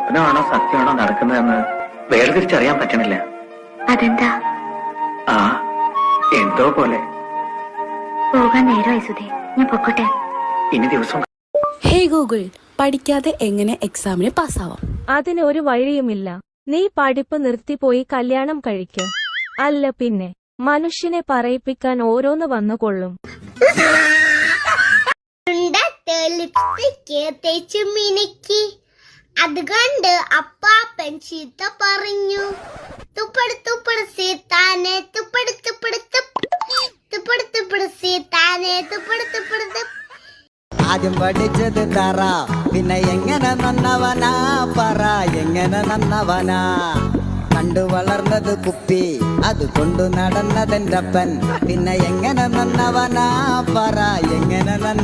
സ്വപ്നമാണോ സത്യമാണോ നടക്കുന്നതെന്ന് വേർതിരിച്ചറിയാൻ പറ്റണില്ല. അതെന്താ? ആ എന്തോ പോലെ. പോകാൻ നേരമായി സുധേ, ഞാൻ പൊക്കോട്ടെ. ഇനി ദിവസം. ഹേ ഗൂഗിൾ, പഠിക്കാതെ എങ്ങനെ എക്സാമിന് പാസ്സാവാം? അതിന് ഒരു വഴിയുമില്ല. നീ പഠിപ്പ് നിർത്തിപ്പോയി കല്യാണം കഴിക്ക്. അല്ല പിന്നെ മനുഷ്യനെ പറയിപ്പിക്കാൻ ഓരോന്ന് വന്നുകൊള്ളും. അതുകൊണ്ട് അപ്പാപ്പൻ ചീത്ത പറഞ്ഞു. തുപ്പട് തുപ്പട് സീത്താനെ തുപ്പട് തുപ്പട് തുപ്പട് തുപ്പട് സീത്താനെ തുപ്പട് തുപ്പട്. ആദ്യം പഠിച്ചത് തറ, പിന്നെ എങ്ങനെ നന്നവനാ പറ, എങ്ങനെ നന്നവനാ. കണ്ടു വളർന്നത് കുപ്പി, അത് കൊണ്ടു നടന്നതെന്റെ അപ്പൻ, പിന്നെ എങ്ങനെ നന്നവനാ പറ, എങ്ങനെ നന്ന.